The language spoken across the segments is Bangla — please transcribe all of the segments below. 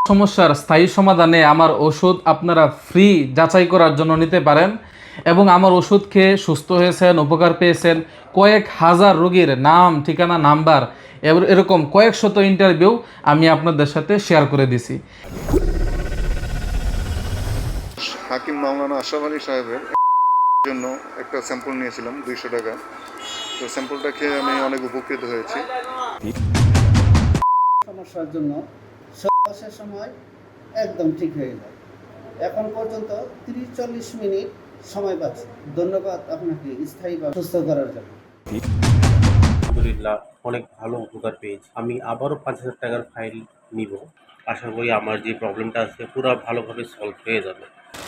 সমস্যার স্থায়ী সমাধানে আমার ওষুধ আপনারা ফ্রি যাচাই করার জন্য নিতে পারেন এবং আমার ওষুধ খেয়ে সুস্থ হয়েছেন, উপকার পেয়েছেন কয়েক হাজার রোগীর নাম, ঠিকানা, নাম্বার এরকম কয়েক শত ইন্টারভিউ আমি আপনাদের সাথে শেয়ার করে দিছি। হাকিম মাওলানা আশরাফ আলী সাহেবের জন্য একটা স্যাম্পল নিয়েছিলাম 200 টাকা। তো স্যাম্পলটা খেয়ে আমি অনেক উপকৃত হয়েছি। সমস্যার জন্য শ্বাসের সময় একদম ঠিক হয়ে যায়। এখন পর্যন্ত 30-40 মিনিট সময় পাচ্ছি। ধন্যবাদ আপনাকে স্থায়ীভাবে সুস্থ করার জন্য। আলহামদুলিল্লাহ, অনেক ভালো উপকার পেয়েছি। আমি আবারও 5,000 টাকার ফাইল নিব। আশা করি আমার যে প্রবলেমটা আছে পুরো ভালোভাবে সলভ হয়ে যাবে।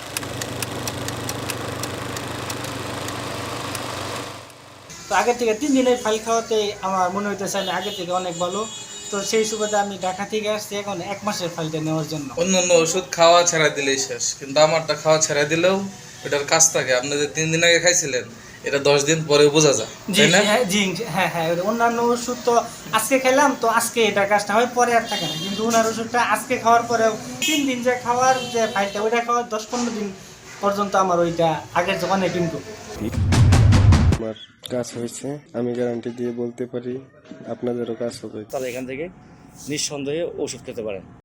তো আগের থেকে 3 দিনের ফাইল খাওয়াতে আমার মনে হইতেছে আমি আগের থেকে অনেক ভালো। তো সেই সুবাদে আমি ঢাকা থেকে আসছি এখন 1 মাসের ফাইলটা নেওয়ার জন্য। অন্য ওষুধ খাওয়া ছেড়ে দিলেই শেষ, কিন্তু আমারটা খাওয়া ছেড়ে দিলেও এটার কাজ থাকে। আপনি যে 3 দিন আগে খাইছিলেন, এটা 10 দিন পরে বোঝা যায়, জি তাই না? জি হ্যাঁ হ্যাঁ, অন্যান্য ওষুধ তো আজকে খেলাম তো আজকে এটার কাজটা হয়, পরে আর থাকে না। কিন্তু ওনার ওষুধটা আজকে খাওয়ার পরেও 3 দিন যে খাওয়ার যে ফাইলটা ওইটা খাওয়ার 10-15 দিন পর্যন্ত আমার ওইটা আগের যে অনেক ইমপ্রুভ। আমার কাজ হয়েছে, আমি গ্যারান্টি দিয়ে বলতে পারি আপনাদেরও কাজ হবে। তাহলে এখান থেকে নিঃসন্দেহে ওষুধ খেতে পারেন।